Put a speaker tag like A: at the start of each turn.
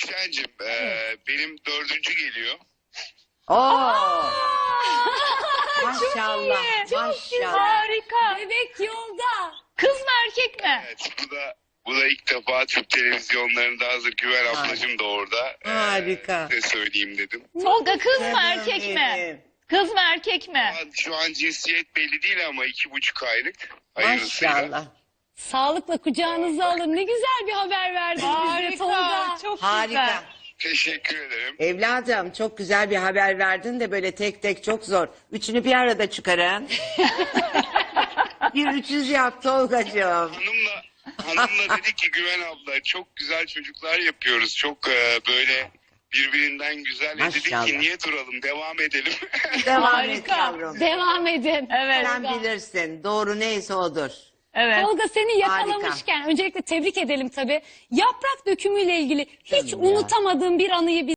A: Gülşen'cim benim 4. geliyor.
B: Oo. Maşallah.
C: Çok
B: Maşallah.
C: harika. Bebek yolda. Kız mı erkek mi?
A: Evet, bu da ilk defa Türk televizyonlarında, hazır Güven ablacığım da orada.
B: Harika.
A: Size söyleyeyim dedim.
C: Tolga kız mı
B: Canım
C: erkek mi?
B: benim.
C: Kız mı erkek mi?
A: Şu an cinsiyet belli değil ama 2,5 aylık. Hayırlısıyla.
B: Maşallah.
D: Sağlıkla kucağınıza alın. Ne güzel bir haber verdiniz bize Tolga.
C: Harika. Çok
B: Harika.
C: güzel.
A: Teşekkür ederim.
B: Evladım çok güzel bir haber verdin de böyle tek tek çok zor. Üçünü bir arada çıkarın. Bir 300 yap Tolgacığım.
A: Hanımla dedik ki Güven abla çok güzel çocuklar yapıyoruz. Çok böyle birbirinden güzel. Dedik
B: Maşallah.
A: ki niye duralım, devam edelim.
B: Devam et
C: Harika.
B: yavrum.
D: Devam edin.
C: Evet.
B: Sen bilirsin. Doğru neyse odur.
C: Evet.
D: Tolga seni yakalamışken öncelikle tebrik edelim tabii. Yaprak dökümüyle ilgili hiç
B: Tabii ya.
D: unutamadığım bir anıyı